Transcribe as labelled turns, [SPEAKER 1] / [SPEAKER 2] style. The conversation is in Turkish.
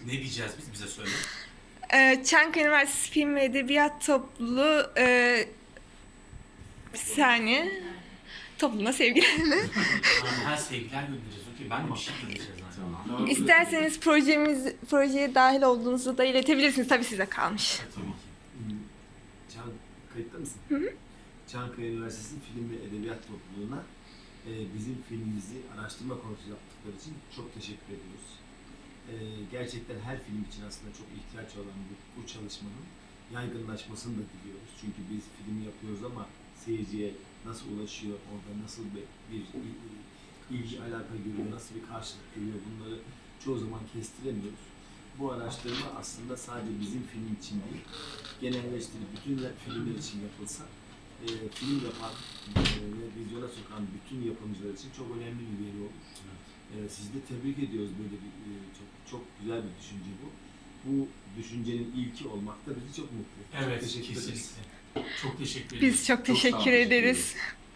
[SPEAKER 1] Ne diyeceğiz biz? Bize söyle.
[SPEAKER 2] Çankaya Üniversitesi Film ve Edebiyat Topluluğu bir saniye. Topluluğuna sevgilerimi.
[SPEAKER 1] Her sevgiler göndereceğiz. Okey, ben de bir şey göndereceğiz zaten.
[SPEAKER 2] İsterseniz projeye dahil olduğunuzu da iletebilirsiniz. Tabii size kalmış.
[SPEAKER 1] Tabii ki.
[SPEAKER 3] Kayıtta mısın?
[SPEAKER 2] Hı hı.
[SPEAKER 3] Çankaya Üniversitesi Film ve Edebiyat Topluluğu'na bizim filmimizi araştırma konusu yaptıkları için çok teşekkür ediyoruz. Gerçekten her film için aslında çok ihtiyaç olan bu çalışmanın yaygınlaşmasını da diliyoruz. Çünkü biz film yapıyoruz ama seyirciye nasıl ulaşıyor, orada nasıl bir ilgi, alaka görüyor, nasıl bir karşılık görüyor, bunları çoğu zaman kestiremiyoruz. Bu araştırma aslında sadece bizim film için değil, genelleştirip bütün filmler için yapılsa, film yapan ve vizyona sokan bütün yapımcılar için çok önemli bir veri olur. Sizi de tebrik ediyoruz, böyle bir çok güzel bir düşünce bu. Bu düşüncenin ilki olmak da bizi çok mutlu ediyor.
[SPEAKER 1] Evet,
[SPEAKER 3] Çok teşekkür ederiz.
[SPEAKER 1] kesinlikle. Çok teşekkür ederim.
[SPEAKER 2] Biz çok teşekkür ederiz.